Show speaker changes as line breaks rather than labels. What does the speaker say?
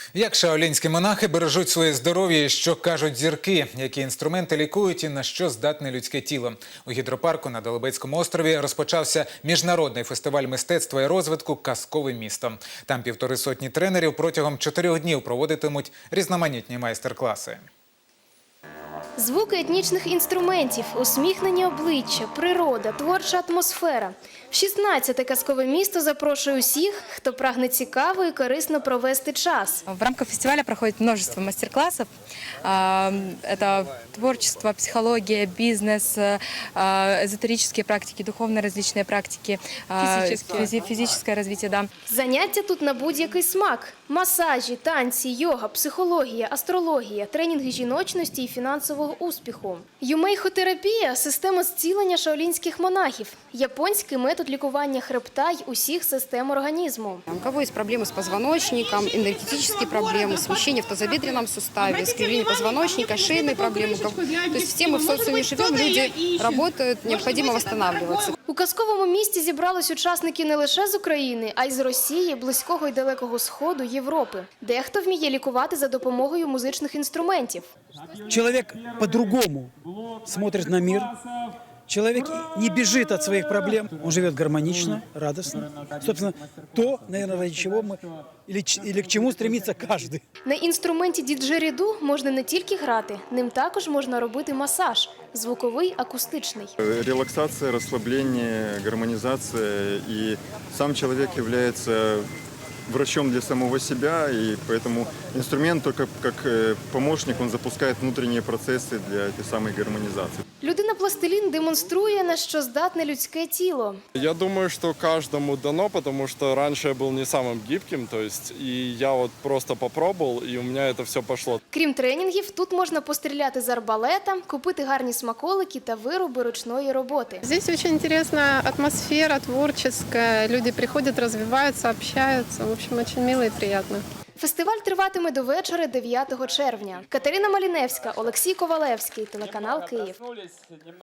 Як шаолінські монахи бережуть своє здоров'я і що кажуть зірки, які інструменти лікують і на що здатне людське тіло. У гідропарку на Долобецькому острові розпочався міжнародний фестиваль мистецтва і розвитку «Казкове місто». Там 150 тренерів протягом 4 днів проводитимуть різноманітні майстер-класи.
Звуки етнічних інструментів, усміхнені обличчя, природа, творча атмосфера. В 16-те казкове місто запрошує усіх, хто прагне цікаво і корисно провести час.
В рамках фестиваля проходит множество мастер-классов. Это творчество, психология, бизнес, эзотерические практики, духовные различные практики, физическое развитие. Да.
Заняття тут на будь-який смак. Масажі, танці, йога, психологія, астрологія, тренінги жіночності і фінансового успіху. Юмейхотерапія – система зцілення шаолінських монахів. Японський метод лікування хребта й усіх систем організму.
У кого есть проблемы с позвоночником, энергетические проблемы, смещение в тазобедренном суставе, искривление позвоночника, шейные проблемы. То есть все мы в социуме живем, люди работают, необходимо восстанавливаться.
У казковому місті зібрались учасники не лише з України, а й з Росії, Близького і Далекого Сходу, Європи. Дехто вміє лікувати за допомогою музичних інструментів.
Человек по-другому смотрит на мир. Человек не бежит от своих проблем, он живет гармонично, радостно. Собственно, то, наверное, ради чего мы или к чему стремится каждый.
На інструменті діджеріду можна не тільки грати, ним також можна робити масаж – звуковий, акустичний.
Релаксация, расслабление, гармонизация. И сам человек является врачом для самого себя, и поэтому инструмент только как помощник, он запускает внутренние процессы для этой самой гармонизации.
Людина-пластилін демонструє, на що здатне людське тіло.
Я думаю, что каждому дано, потому что раньше я был не самым гибким, то есть и я вот просто попробовал, и у меня это все пошло.
Крім тренінгів, тут можна постріляти з арбалета, купити гарні смаколики та вироби ручної роботи.
Здесь очень интересная атмосфера творческая. Люди приходят, развиваются, общаются. В общем, очень мило и приятно.
Фестиваль триватиме до вечора 9 червня. Катерина Маліневська, Олексій Ковалевський, телеканал «Київ».